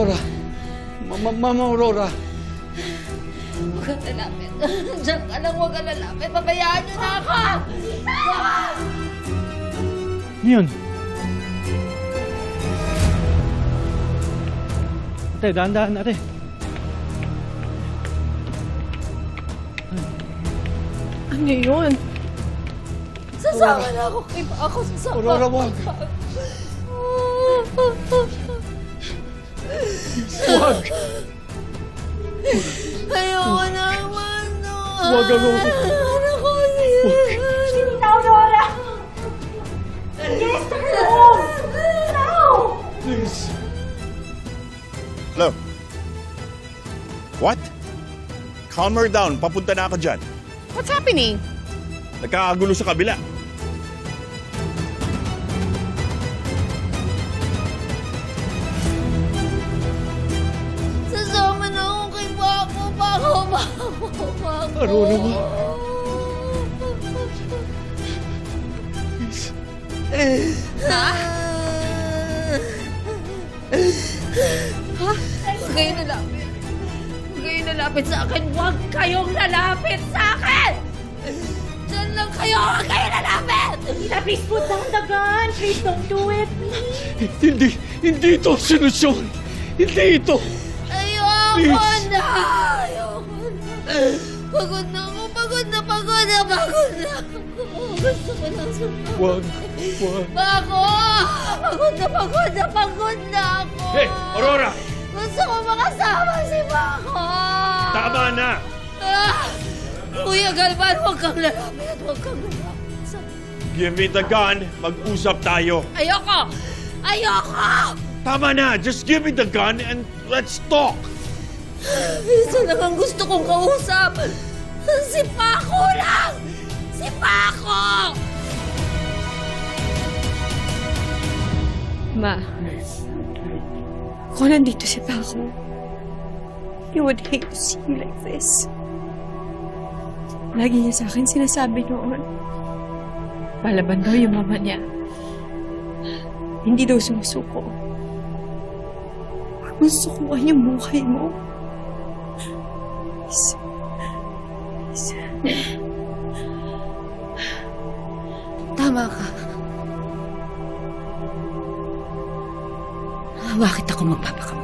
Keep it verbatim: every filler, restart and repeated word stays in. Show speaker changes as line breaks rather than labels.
Aurora. Mama, Mama Aurora.
Huwag ka lalapit. Diyan ka lang, huwag ka lalapit. Pabayaan niyo na ako!
Ano yun? Ate, dahan-dahan, ate.
Ano yun?
Sasama na ako kay Paco. Sasama
Aurora,
ako.
wag. Wag.
Ayoko naman, no.
Wag, Aurora.
Ano ko siya?
Tita Aurora! Yes, turn home! Now!
Please.
Hello? What? Calm her down. Papunta na ako dyan.
What's happening?
Nagkakagulo sa kabila.
Sasama na ako kay Paco. Paco, Paco, Paco.
Aurora, wag. Please.
Huwag kayong lalapit. Huwag kayong lalapit sa akin. Huwag kayong lalapit sa akin! Diyan lang kayo! Huwag kayong lalapit!
Tita, please put down the gun! Please don't do it!
Hindi, hindi ito ang solusyon. Hindi ito.
Ayoko
Please.
na! Ayoko na! Pagod na ako! Pagod na! Pagod na! Pagod na! Gusto ko lang sumagot.
Wag, wag.
Paco! Pagod na! Pagod na! Pagod na ako!
Hey, Aurora!
Gusto ko makasama si Paco!
Tama na!
Ah! Kuya Galvan, huwag kang lalapit. Huwag kang lalapit sa...
Give me the gun. Mag-usap tayo.
Ayoko! Ayoko!
Tama na! Just give me the gun and let's talk!
Isa lang ang gusto kong kausap. Si Paco lang! Si Paco!
Ma, kung nandito si Paco, he would hate to see you like this. Lagi niya sa akin sinasabi noon, palaban daw yung mama niya. Hindi daw sumusuko. Gusto ko ang yung buhay mo. Please. Please.
Tama ka. Bakit ako magpapakamali?